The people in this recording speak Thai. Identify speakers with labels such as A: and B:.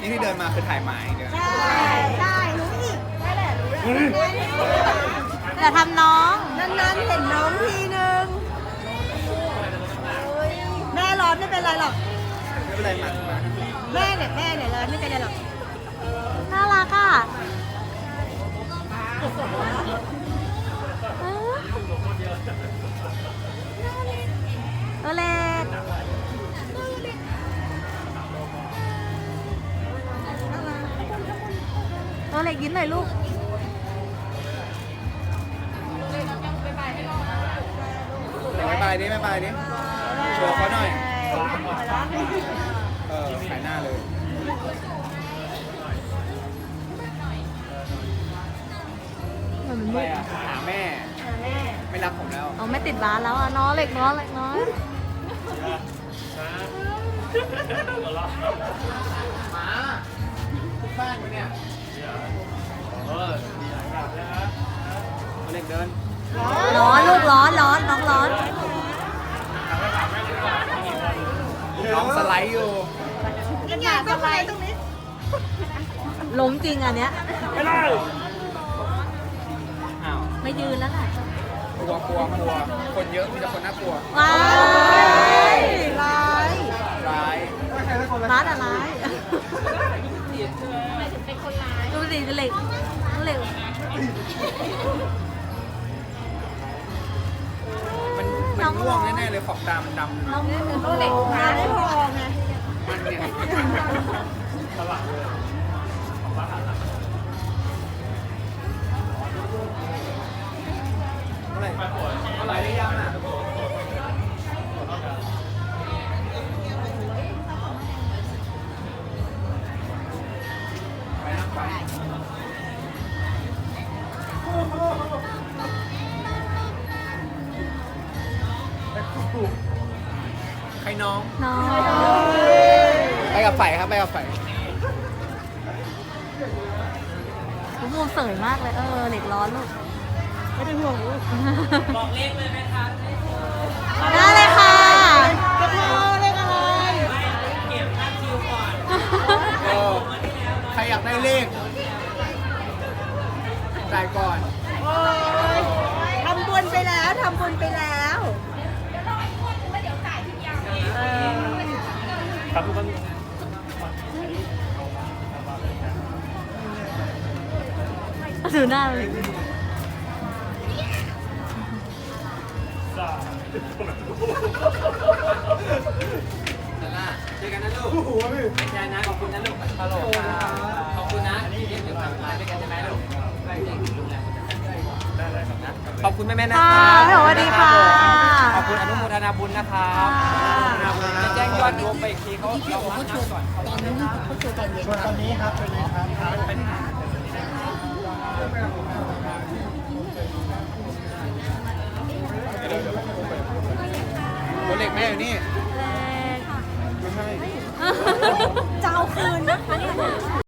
A: นี่ที่เดินมาคือถ่ายหมายเดียว
B: ใช่ใช่รู้อีกนั่นแหละรู้แล้ว
C: อย่าทำน้อง
B: นานๆเห็นน้องทีนึงแม่ร้อนไม่เป็นไรหรอก
A: ไม่เป็นไรหมักมา
B: แม่เนี่ยร้อนไม่เป็นไรหรอก
C: น่ารักอ่ะตัวเล็กตัวเล็กยิ้มหน่อยลูก
A: เดี๋ยวบายดิบายดิโชว์เขาหน่อยขายหน้าเลย
C: เหมือน
A: ไป
C: มืด
A: หาแม่ ไม่รักผมแล้ว
C: เอาไม่ติดบ้านแล้วอ่ะน้องเล็กน้องเล็กน้อย
A: หมาบ้านกูเนี่ยเล็กเดิน
C: ร้อนลูกร้อนร้อนน้องร้อน
A: น้องสไลด์อยู่
B: ยังไงต้องไปตรงนี้
C: ล้มจริงอันเนี้ย
A: อ้าว
C: ไม่ยืนแล้วแหละ
A: กลัวคนเยอะมีแต่คนน่ากลัว
C: ว้าย
B: ร้าย
A: ร้าย
C: ร้านอะไรดูสิเหล็กเหล็ก
A: มันง่วงแน่ๆเลยขอบตามันดำ
C: น้อง
B: เหล็กงานไม่พอไง
A: มันเนี่ยอะไรได้ยังอ่ะไปนะไปใครน้อง
C: น้อง
A: ไปกับไฟครับไปกับไฟ
C: คุณมูเสยมากเลยเหล็กร้อนลูก
B: ไม่เป็นห่วงลูก
C: บอกเลขเลยไหมคะได้เลยค่ะ
B: จะพอเลขอะไร
A: ใครอยากได้เลขจ่ายก่อน
B: โอ้ยทำบุญไปแล้วทำบุญไปแล้ว
C: ดูหน้าเลย
A: เจอกันนะลูกไม่ใช่นะขอบคุณนะลูกฮัลโหลขอบคุณนะที่เดี๋ยวทำงานด้วยกันใช่ไหมลูกได้จริงลูกแล้วขอบคุณแม่ๆนะค
C: ค่ะ
A: รับ
C: สวัสดีค่ะ
A: ขอบคุณอนุโมทนาบุญนะครับจะแจ้งยอดรวมไปอีกทีเขานับก่อนตอนนี้ครับตัวเล็กแม่อยู่นี่